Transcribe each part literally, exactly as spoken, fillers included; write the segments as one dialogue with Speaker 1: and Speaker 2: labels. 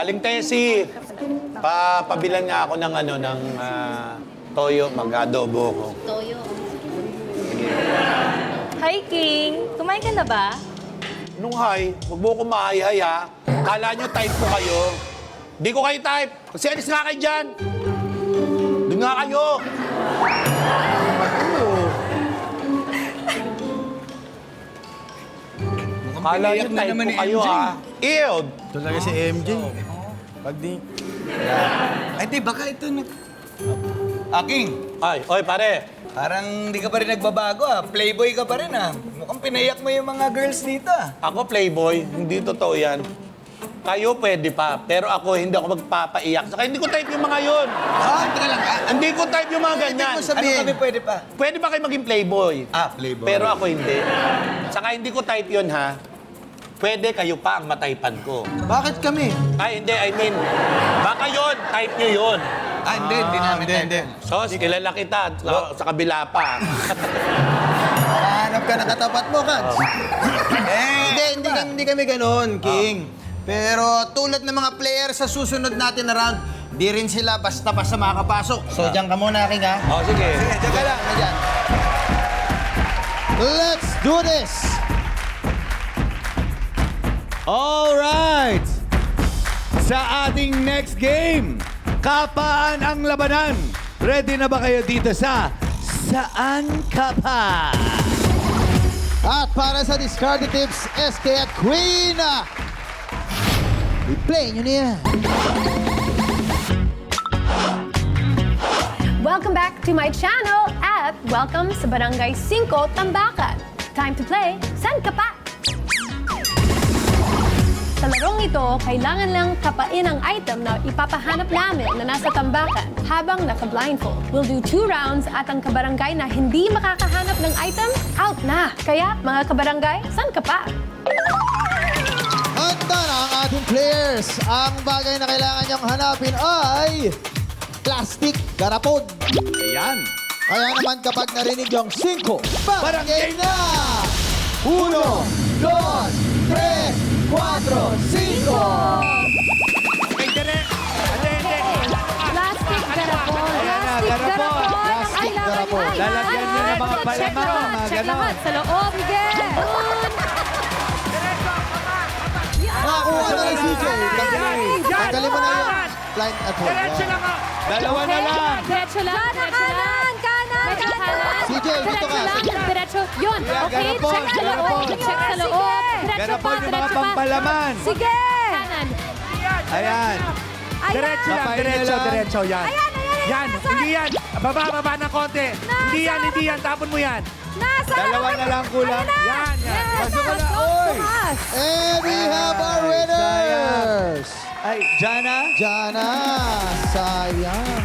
Speaker 1: Aling Tessie, pa pabilan nga ako ng ano, ng ah, toyo, mag-adobo ko.
Speaker 2: Toyo.
Speaker 3: Hi, King! Kumain ka na ba?
Speaker 1: Nung hi, huwag mo ko mahay-hay ha. Kala nyo type ko kayo. Di ko kayo type. Kasi alis nga kayo dyan. Doon nga kayo. Kala nyo
Speaker 4: Iyak na
Speaker 1: type
Speaker 4: naman
Speaker 1: ko
Speaker 4: ni
Speaker 1: kayo
Speaker 4: M J.
Speaker 1: ha. Ew!
Speaker 5: Talaga si M J. Pag di...
Speaker 4: Ay, di, baka ito na... Aking,
Speaker 1: Ay, oy pare.
Speaker 4: parang di ka pa rin nagbabago ah. Playboy ka pa rin ah. Mukhang pinayak mo yung mga girls dito ah.
Speaker 1: Ako playboy, hindi totoo yan. Kayo pwede pa, pero ako hindi ako magpapaiyak. Saka hindi ko type yung mga yun.
Speaker 4: Ah, teka lang ah.
Speaker 1: Hindi ko type yung mga
Speaker 4: Ibig
Speaker 1: ganyan.
Speaker 4: mo sabihin? Ano kami pwede pa?
Speaker 1: Pwede ba kayo maging playboy?
Speaker 4: Ah, playboy.
Speaker 1: Pero ako hindi. Saka hindi ko type yun ha. Pwede kayo pa ang mataypan ko.
Speaker 5: Bakit kami?
Speaker 1: Ay, hindi. I mean, baka yun. Type nyo yun.
Speaker 4: Ah, hindi, hindi namin
Speaker 5: hindi,
Speaker 4: tayo.
Speaker 5: hindi.
Speaker 1: Sos, kilala kita. Sa, sa kabila pa.
Speaker 5: Hanap ka na katapat mo, Kats.
Speaker 4: Eh,
Speaker 5: Hindi, hindi, kami- hindi kami ganon, King. Pero tulad ng mga player sa susunod natin na round, di rin sila basta-basta makakapasok. So, diyan ka muna, King, ha?
Speaker 1: O, sige.
Speaker 5: Sige, diyan ka lang. Diyan. Let's do this!
Speaker 6: Alright! Sa ating next game, kapaan ang labanan? Ready na ba kayo dito sa Saan Ka Pa?
Speaker 5: At para sa discarded tips, S K at Queen! I-play nyo na yan.
Speaker 2: Welcome back to my channel at welcome sa Barangay five Tambakan. Time to play San Ka Pa? Sa larong ito, kailangan lang kapain ang item na ipapahanap namin na nasa tambakan habang naka-blindfold. We'll do two rounds at ang kabarangay na hindi makakahanap ng item, out na. Kaya, mga kabarangay, San Ka Pa?
Speaker 5: Handa na ang ating players. Ang bagay na kailangan niyong hanapin ay plastic garapon.
Speaker 6: Ayan.
Speaker 5: Kaya naman kapag narinig yung cinco,
Speaker 6: Parang
Speaker 5: parang game na! Uno, dos, tres, cuatro, cinco!
Speaker 6: Okay, dire. Hindi, hindi.
Speaker 2: Plastic garapon.
Speaker 6: Ayan na,
Speaker 2: Plastic
Speaker 6: garapon.
Speaker 2: garapon. Ang
Speaker 5: Plastic
Speaker 2: kailangan
Speaker 5: garapon.
Speaker 2: ay-
Speaker 6: Lalagyan nyo ng mga
Speaker 2: Check
Speaker 6: palaman,
Speaker 2: lahat,
Speaker 6: mga
Speaker 2: check
Speaker 6: ganon.
Speaker 2: lahat. Sa loob. Sige.
Speaker 5: Nakakuha na ni C J. Tanggalin tanggalin mo na yung blind at home. Yan.
Speaker 6: Dalawa na lang.
Speaker 2: Diretso lang. Diretso lang. Kanan. May kanan.
Speaker 5: C J, dito ka.
Speaker 2: Diretso lang. Diretso. Yun.
Speaker 6: Yeah,
Speaker 2: Okay.
Speaker 6: garapon,
Speaker 2: Check sa loob.
Speaker 6: garapon.
Speaker 2: Check sa loob. Diretso
Speaker 6: Garapon
Speaker 2: pa.
Speaker 6: yung mga
Speaker 2: Diretso pa.
Speaker 6: pampalaman.
Speaker 2: Sige. Kanan.
Speaker 6: Ayan.
Speaker 7: Diretso lang,
Speaker 6: Kapain
Speaker 7: diretso,
Speaker 6: na lang.
Speaker 7: diretso, yan.
Speaker 2: Ayan, ayan, ayan.
Speaker 7: Yan,
Speaker 2: Nasaan?
Speaker 7: hindi yan. Baba, baba ng konti. Hindi yan, hindi yan. Tapon mo yan.
Speaker 2: Nasa.
Speaker 6: Dalawa na lang kulang.
Speaker 7: Yan, yan.
Speaker 2: Yes.
Speaker 6: Pasok ka na,
Speaker 2: Pasok.
Speaker 6: oy.
Speaker 2: Tumas.
Speaker 5: And we have our winners!
Speaker 6: Ay, Jana?
Speaker 5: Jana, sayang.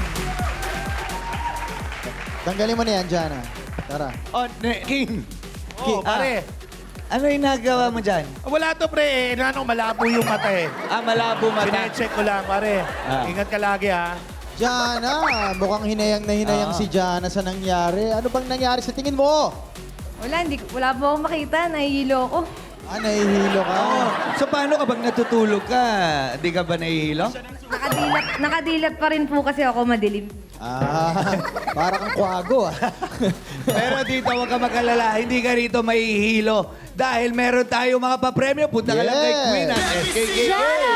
Speaker 5: Tanggalin mo na yan, Jana. Tara.
Speaker 6: Oh, ne- King.
Speaker 7: Oh, pare.
Speaker 6: Ano yung nagawa mo dyan?
Speaker 7: Wala to, pre. Eh, ano, malabo yung mata eh.
Speaker 6: Ah, malabo mata.
Speaker 7: Sinecheck ko lang, pare.
Speaker 6: Ah.
Speaker 7: Ingat ka lagi, ha.
Speaker 5: Jana, mukhang hinayang na hinayang
Speaker 6: Ah.
Speaker 5: si Jana sa nangyari. Ano bang nangyari sa tingin mo?
Speaker 3: Wala, hindi, wala po akong makita. Nahihilo ko.
Speaker 5: Ah, nahihilo ka.
Speaker 6: Oh, so paano kapag natutulog ka? Di ka ba nahihilo?
Speaker 3: Nakadilat, nakadilat pa rin po kasi ako madilim.
Speaker 5: Ah, parang kang kwago ah.
Speaker 6: Pero dito, huwag ka mag-alala. Hindi ka rito mahihilo. Dahil meron tayo mga papremyo. Punta ka lang kay
Speaker 5: Yes.
Speaker 6: Queen at S K K.
Speaker 2: Jana!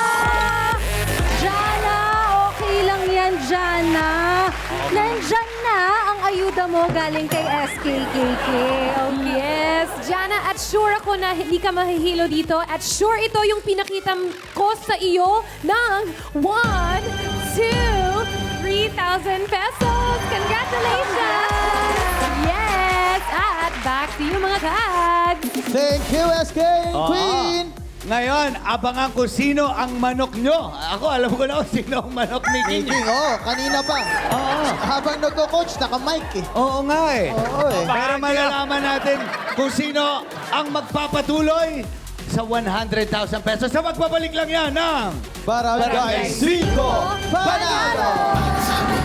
Speaker 2: Jana! Okay lang yan, Jana. Nandyan na ang ayuda mo galing kay S K K K. Oh, yes. Jana, at sure ako na hindi ka mahihilo dito. At sure ito yung pinakita ko sa iyo ng one, two, three thousand pesos. Congratulations! Yes! At back to you, mga kags.
Speaker 5: Thank you, S K
Speaker 6: Oo.
Speaker 5: Queen!
Speaker 6: Ngayon, abangan ko sino ang manok nyo. Ako, alam ko na kung sino ang manok ni King.
Speaker 5: King, oh, kanina pa.
Speaker 6: Oo.
Speaker 5: Habang nagko-coach, naka-mic eh.
Speaker 6: Oo nga eh.
Speaker 5: Oo eh.
Speaker 6: Para malalaman natin kung sino ang magpapatuloy sa one hundred thousand pesos. Sa magbabalik lang yan ng...
Speaker 5: Barangay
Speaker 6: Barangay
Speaker 5: cinco Panalo!